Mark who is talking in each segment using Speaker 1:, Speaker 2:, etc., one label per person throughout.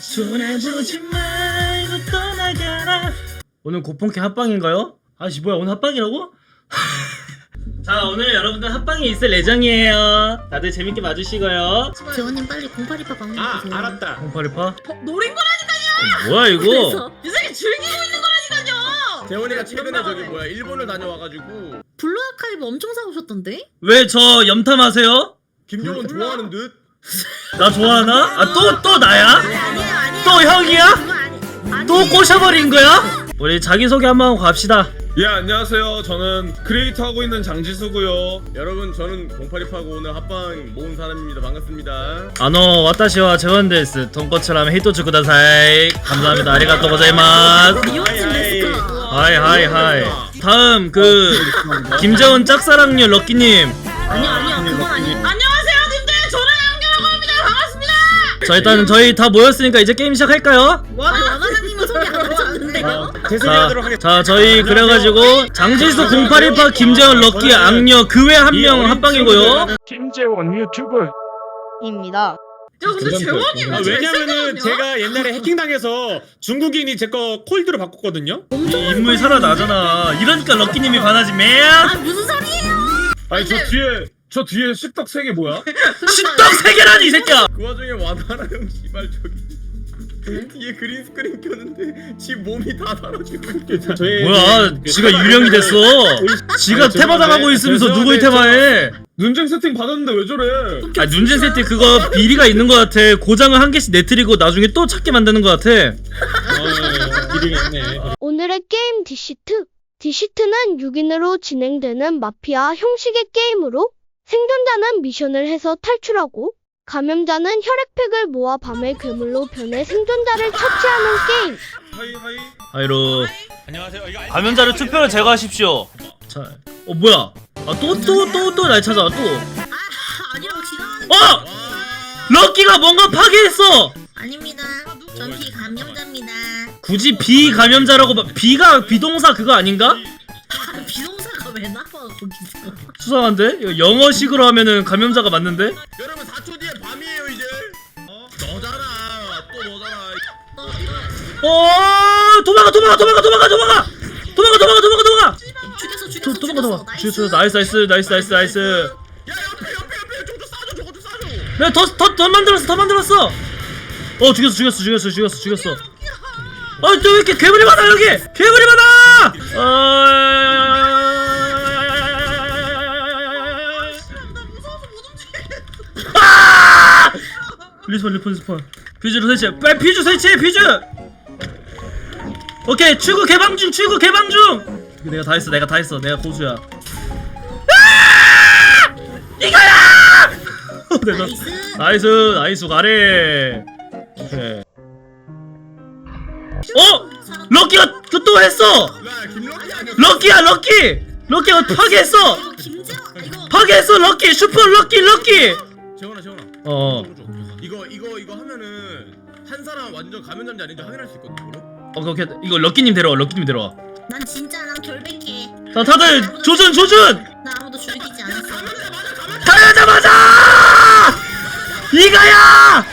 Speaker 1: 손해보지 말고 떠나가라. 오늘 고pon캐 합방인가요? 아씨 뭐야 오늘 합방이라고? 자 오늘 여러분들 합방이 있을 예정이에요. 다들 재밌게 봐주시고요.
Speaker 2: 재원님 빨리 082파 방문 주세요.
Speaker 3: 알았다.
Speaker 1: 0828?
Speaker 2: 노린 거라니까요.
Speaker 1: 뭐야 이거?
Speaker 2: 이 새끼 즐기고 있는 거라니까요.
Speaker 3: 재원이가 최근에 저기 뭐야 일본을 다녀와가지고
Speaker 2: 블루 아카이브 엄청 사오셨던데?
Speaker 1: 왜 저 염탐하세요?
Speaker 3: 김정은 좋아하는 듯.
Speaker 1: 나 좋아하나? 아 또 나야?
Speaker 2: 아니에요.
Speaker 1: 또 형이야?
Speaker 2: 그거 아니.
Speaker 1: 또 꼬셔버린 거야? 우리 자기소개 한번 하고 갑시다.
Speaker 3: 예 안녕하세요. 저는 크리에이터 하고 있는 장지수고요. 여러분 저는 0828고 오늘 합방 모은 사람입니다. 반갑습니다.
Speaker 1: 와타시와 재원데스. 돈코츠라면 히토츠 쿠다사이. 감사합니다. 아리가또 고자이마스.
Speaker 2: 미용진 데스까.
Speaker 1: 하이. 다음 김재원 짝사랑녀 럭키님.
Speaker 2: 아니요 그건 아니에요. 안녕하세요 님들. 저는 양규라고 합니다. 반갑습니다.
Speaker 1: 자 일단 저희 다 모였으니까 이제 게임 시작할까요?
Speaker 2: 와나나님은 소개 안 하셨는데요?
Speaker 1: 자 저희 그래가지고 장지수 0818 김재원 럭키 악녀 그 외 한 명 합방이고요.
Speaker 4: 김재원 유튜브
Speaker 2: 입니다. 근데 재원이 왜
Speaker 5: 왜냐면은 제가 옛날에 해킹당해서 중국인이 제 거 콜드로 바꿨거든요.
Speaker 1: 이 인물 살아나잖아. 이러니까 럭키님이 반하지 맨.
Speaker 2: 무슨 소리예요?
Speaker 3: 아니 저 뒤에 식탁 3개 뭐야?
Speaker 1: 십덕 세 개라니 이 새끼야.
Speaker 3: 그 와중에 와나라 형 씨발 저기 뒤에 그린 스크린 켰는데 지 몸이 다 달아지고
Speaker 5: 저희
Speaker 1: 뭐야 지가 유령이 됐어. 지가 테마 당하고 있으면서 누구의 테마해.
Speaker 3: 눈쟁 세팅 받았는데 왜 저래?
Speaker 1: 아 눈젠 세트 그거 비리가 있는 것 같아. 고장을 한 개씩 내트리고 나중에 또 찾게 만드는 것 같아.
Speaker 6: 오늘의 게임 디시트. 디시트는 6인으로 진행되는 마피아 형식의 게임으로 생존자는 미션을 해서 탈출하고 감염자는 혈액팩을 모아 밤의 괴물로 변해 생존자를 처치하는 게임.
Speaker 3: 하이
Speaker 1: 아이로
Speaker 5: 안녕하세요. 이거
Speaker 1: 감염자를 투표로 제거하십시오. 자, 뭐야? 아 또 날 찾아와 또.
Speaker 2: 아니라고 지나가는.
Speaker 1: 럭키가 뭔가 파괴했어.
Speaker 2: 아닙니다. 전 비감염자입니다.
Speaker 1: 굳이 비감염자라고 비가 비동사 그거 아닌가?
Speaker 2: 비동사가 왜 나와 거기서?
Speaker 1: 수상한데? 이거 영어식으로 하면은 감염자가 맞는데?
Speaker 3: 여러분 4초 뒤에 밤이에요 이제. 너잖아. 또 너잖아.
Speaker 1: 도망가.
Speaker 2: 죽였어.
Speaker 1: 도망가. 죽였어. 나이스.
Speaker 3: 야 옆에 저거 싸줘 저거 좀 싸줘.
Speaker 1: 내가 더 만들었어. 죽였어. 또 왜 이렇게 괴물이 많아 여기? 괴물이 많아. 리스폰. 퓨즈로 설치해. 빨리 퓨즈 설치해. 오케이 출구 개방 중. 내가 다 했어. 내가 고수야. 이거야! 나이스 가래. 오케이. 럭키가 또 했어.
Speaker 3: 야 김럭키 아니야?
Speaker 1: 럭키가 파괴했어. 파괴했어 럭키. 슈퍼 럭키.
Speaker 3: 재원아. 이거 하면은 한 사람 완전 감염자인지 아닌지 확인할 수 있거든.
Speaker 1: 오케이. 이거 럭키님 데려와.
Speaker 2: 난 진짜 난 결백해.
Speaker 1: 자 다들 조준.
Speaker 2: 나 아무도 죽이지 않았어.
Speaker 1: 가야자마자 이거야.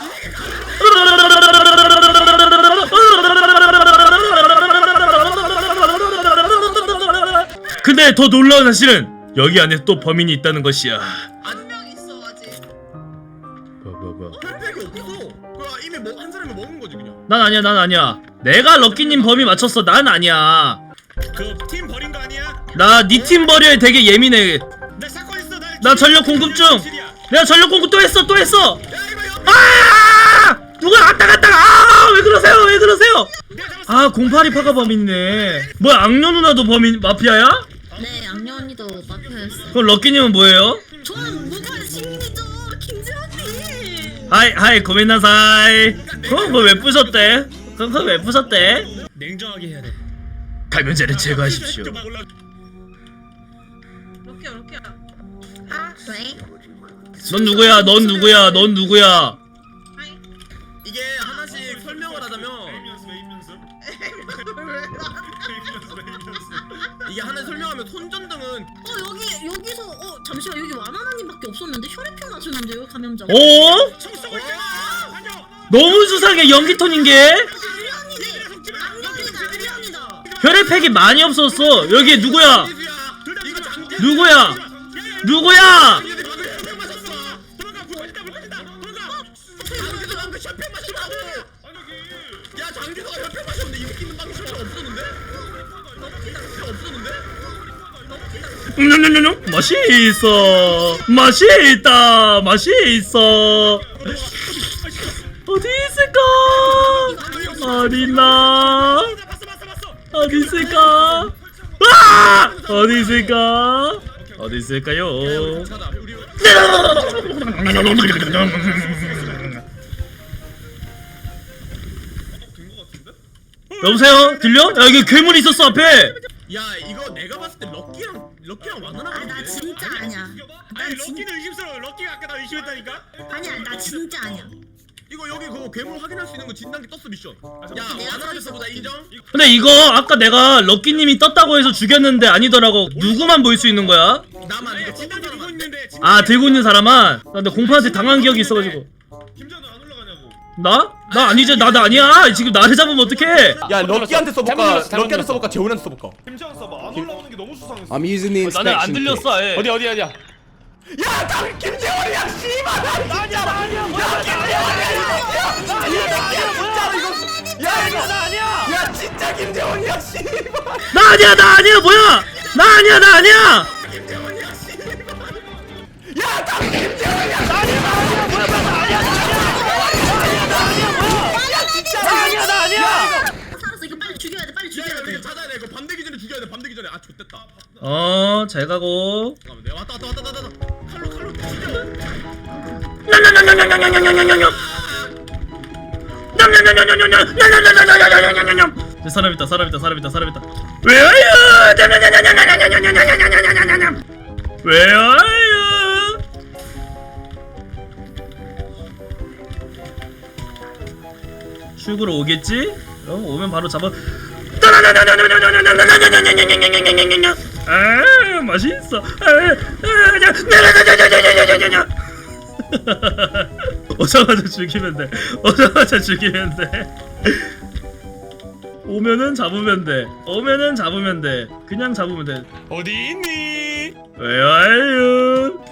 Speaker 1: 근데 더 놀라운 사실은 여기 안에 또 범인이 있다는 것이야.
Speaker 3: 한 명 있어 아직.
Speaker 1: 뭐야?
Speaker 3: 혈팩이 없어. 그거 이미 한 사람이 먹은 거지 그냥.
Speaker 1: 난 아니야. 내가 럭키님 범위 맞췄어. 난 아니야.
Speaker 5: 그팀 버린 거 아니야?
Speaker 1: 나 니 팀 버려에 되게 예민해.
Speaker 5: 나 사건 있어.
Speaker 1: 나 전력 공급 중. 내가 전력 공급 또 했어.
Speaker 3: 야 이거 옆에.
Speaker 1: 누가 갔다가 왜 그러세요? 0828가 범인네. 뭐야 악녀 누나도 범인 마피아야?
Speaker 2: 네, 양녀 언니도 마피아였어요.
Speaker 1: 그럼 럭키님은 뭐예요?
Speaker 2: 저는 무관 시민이죠, 김재원님.
Speaker 1: 하이 고민나사이. 그거 왜 부셨대?
Speaker 5: 냉정하게 해야 돼.
Speaker 1: 감염자를 제거하십시오.
Speaker 2: 럭키야. 왜?
Speaker 1: 넌 누구야?
Speaker 3: 이게 하나씩 설명을 하자면 이게 하나 설명하면 손전등은
Speaker 2: 여기서 잠시만 여기 와나나님밖에 없었는데 혈액형 맞췄는데요 감염자.
Speaker 1: 어? 너무 수상해 연기 톤인 게. 혈액팩이 많이 없었어. 여기 누구야? 누구야? 누구야?
Speaker 3: 야 장기수가 혈팩 마셨는데 이 웃기는 방식이 없었는데?
Speaker 1: 맛있어. 맛있다. 맛있어. 어디 있을까? 어딨나? 어디 있을까? 아! 어디 있을까? 어디 있을까요? 여보세요? 들려? 야 여기 괴물 있었어 앞에.
Speaker 3: 야 이거 내가 봤을 때 럭키랑 만나나
Speaker 2: 아, 나 진짜 아니야.
Speaker 5: 아니 럭키는 의심스러워. 럭키가 아까 나 의심했다니까.
Speaker 2: 아니야, 나 진짜 아니야.
Speaker 3: 이거 여기 그거 괴물 확인할 수 있는 거 진단기 떴어 미션. 야
Speaker 2: 내가
Speaker 3: 만나라서보다 인정?
Speaker 1: 근데 이거 아까 내가 럭키님이 떴다고 해서 죽였는데 아니더라고. 누구만 볼 수 있는 거야?
Speaker 3: 나만 이거
Speaker 5: 진단기 들고 있는데.
Speaker 1: 아 들고 있는 사람만? 나 근데 공파한테 당한 기억이 있어가지고.
Speaker 5: 김전우 안 올라가냐고.
Speaker 1: 나? 나 아니지. 나 아니야. 지금 나를 잡으면 어떡해?
Speaker 4: 야 럭키한테 써볼까? 럭키한테 써볼까? 재훈한테 써볼까?
Speaker 5: 김전 써봐. 안 올라오는 게 너무 수상했어.
Speaker 4: I'm using the
Speaker 1: 나는 안
Speaker 4: inspection kit.
Speaker 1: 들렸어. 아예.
Speaker 5: 어디야?
Speaker 4: 야, 나 김재원이야, 씨발! 아니야, 뭐야? 야, 김재원이야! 아니야, 진짜로 이거. 야, 이거 나 아니야. 야, 진짜 김재원이야, 씨발!
Speaker 1: 나 아니야. 뭐야? 나 아니야.
Speaker 4: 야, 나 김재원이야! 아니야, 뭐야? 나 아니야. 나 아니야.
Speaker 2: 살았어. 이거 빨리 죽여야 돼. 빨리
Speaker 3: 야
Speaker 2: 죽여야 돼.
Speaker 3: 이거 찾아야 돼. 이거 밤 되기 전에 죽여야 돼. 밤 되기 전에. 아 좋댔다.
Speaker 1: 잘 가고.
Speaker 3: 잠깐만 내가 왔다. 칼로 죽여.
Speaker 1: 사람 있다. Where are you? Where are you? 출구로 오겠지? 오면 바로 잡아. 아 맛있어. 오자마자 죽이면 돼. 오면은 잡으면 돼. 그냥 잡으면 돼.
Speaker 5: 어디 있니?
Speaker 1: Where are you?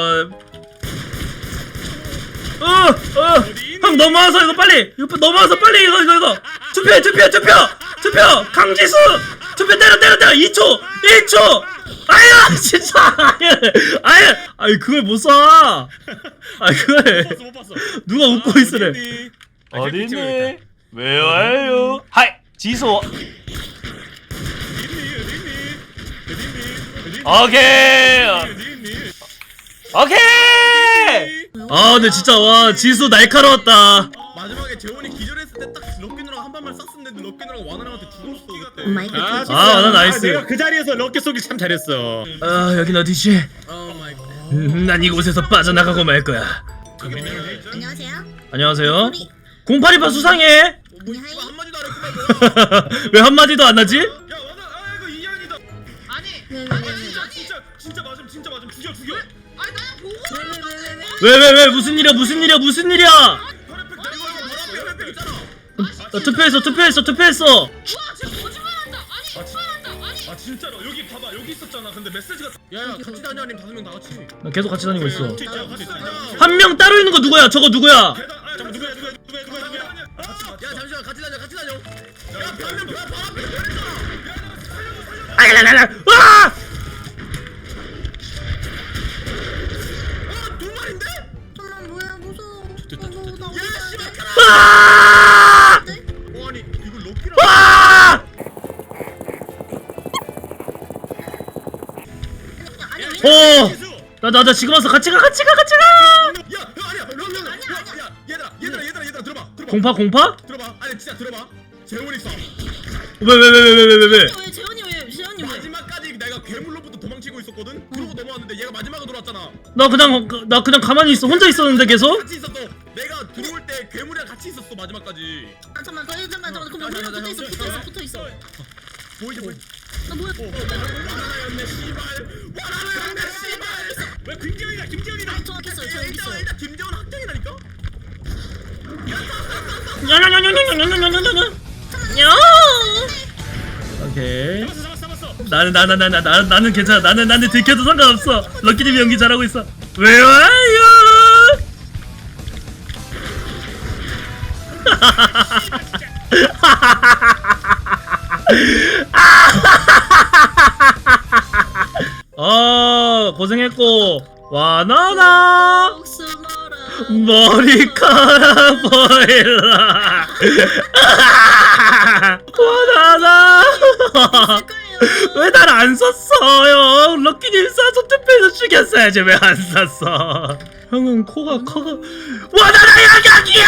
Speaker 1: 형 넘어와서 이거 빨리. 이거 투표. 강지수. 투표 때려. 2초. 1초. 아야 진짜. 아니 그걸 못 쏴. 그래.
Speaker 5: 못 봤어.
Speaker 1: 누가 웃고 있으래.
Speaker 5: 어디 있니?
Speaker 1: Where are you? 하이 지수. 오케이. 아 근데 진짜 와 지수 날카로웠다.
Speaker 3: 마지막에 재원이 기절했을 때 딱 럭키 누나가 한 발만 쐈었는데 럭키 누나가 와나랑한테 죽었어 그때.
Speaker 2: 마이 갓.
Speaker 1: 나 나이스.
Speaker 5: 내가 그 자리에서 럭키 쏘기 참 잘했어.
Speaker 1: 여긴 어디지?
Speaker 3: 오 마이 갓.
Speaker 1: 난 이곳에서 빠져나가고 말 거야.
Speaker 2: 안녕하세요.
Speaker 1: 안녕하세요. 082파 수상해.
Speaker 3: 뭐 이거 한마디도 안 했구만.
Speaker 1: 왜 한마디도 안 하지?
Speaker 5: 야 와나 이거 이한이다. 진짜 맞음 죽여.
Speaker 2: 아니 나야 보고.
Speaker 1: 왜 무슨 일이야?
Speaker 3: 혈액팩 있잖아.
Speaker 1: 투표했어.
Speaker 2: 우와, 쟤 거짓말한다. 아니,
Speaker 5: 아 진짜로 여기 봐봐 여기 있었잖아. 근데 메시지가
Speaker 3: 야야 같이 다녀 아니면 5명 다 같이.
Speaker 1: 나 계속 같이 다니고 있어.
Speaker 5: 같이 있자.
Speaker 1: 한 명 따로 있는 거 누구야? 저거 누구야?
Speaker 5: 잠깐 누구야?
Speaker 3: 야 잠시만 같이 다녀. 야 반면 발 앞에
Speaker 1: 아!
Speaker 3: 두 마리인데?
Speaker 2: 잠깐만 뭐야 무서워.
Speaker 3: 야 씨발.
Speaker 1: 아!
Speaker 3: 아니 이거 럭키랑.
Speaker 1: 아! 나 지금 와서 같이 가.
Speaker 3: 야 아니야 얘들아 들어봐.
Speaker 1: 공파?
Speaker 3: 들어봐. 아니 진짜 들어봐. 재원이 쏴.
Speaker 1: 왜?
Speaker 2: 왜 재현이 왜?
Speaker 3: 마지막까지 내가 괴물로부터 도망치고 있었거든. 그러고 넘어왔는데 얘가 마지막으로 들어왔잖아.
Speaker 1: 나 그냥 가만히 있어. 혼자 있었는데 계속.
Speaker 3: 같이 있었어. 내가 들어올 때 괴물이랑 같이 있었어 마지막까지.
Speaker 2: 잠깐만 그럼 우리랑 붙어 있어.
Speaker 3: 보이지?
Speaker 2: 나 뭐야?
Speaker 3: 와라였네 씨발.
Speaker 5: 왜 김재훈이다.
Speaker 2: 저 여기 있어요.
Speaker 3: 일단 김재원 학생이라니까.
Speaker 1: 오케이. 나는 괜찮아. 나는 들켜도 상관없어. 럭키님이 연기 잘하고 있어. 왜 와요? 고생했고 와나나 머리카락 보일라 와나나 왜 날 안 썼어요? 럭키님 싸서 투표해서 죽였어야지 왜 안 쐈어? 형은 코가 커가 와나나 야각이야!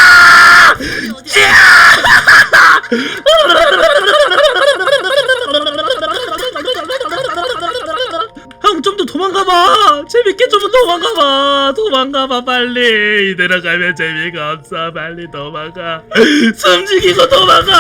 Speaker 1: 형 좀 더 도망가봐. 재밌게 좀 도망가봐 빨리. 이대로 가면 재미가 없어. 빨리 도망가. 숨죽이고 도망가.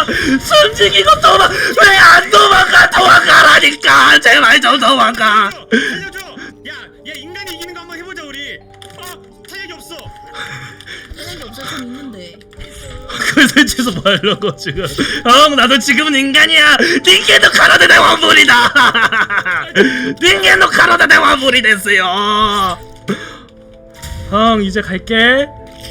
Speaker 1: 왜 안 도망가라니까. 제발 좀 도망가.
Speaker 5: 살려줘. 야 인간이 이기는 거 한번 해보자 우리. 탄약이 없어.
Speaker 2: 하는 게 없어. 전 있는데.
Speaker 1: 그걸 설치해서 뭐 하려고 지금. 형 나도 지금은 인간이야. 닌겐도 카라데 대 완불이다. 닌겐도 카라데 대 완불이 됐어요. 형 이제 갈게.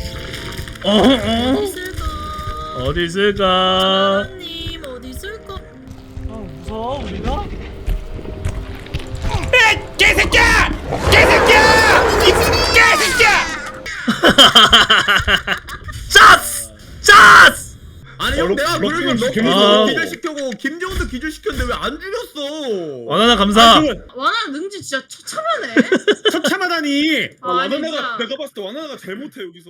Speaker 2: 있을까?
Speaker 1: 어디 있을까?
Speaker 2: 하나님 어디 있을까?
Speaker 1: 무서워 우리가?
Speaker 4: 개새끼야! 이 개새끼야!
Speaker 1: 짜스!
Speaker 3: 아니 형 내가 그러면
Speaker 5: 럭키님
Speaker 1: 아.
Speaker 3: 기절시켜고 김정은도 기절시켰는데 왜 안 죽였어?
Speaker 1: 와나나 감사.
Speaker 2: 와나 능지 진짜 처참하네.
Speaker 5: 처참하다니.
Speaker 2: 아, 진짜.
Speaker 3: 내가 봤을 때 와나나가 제일 못해 여기서.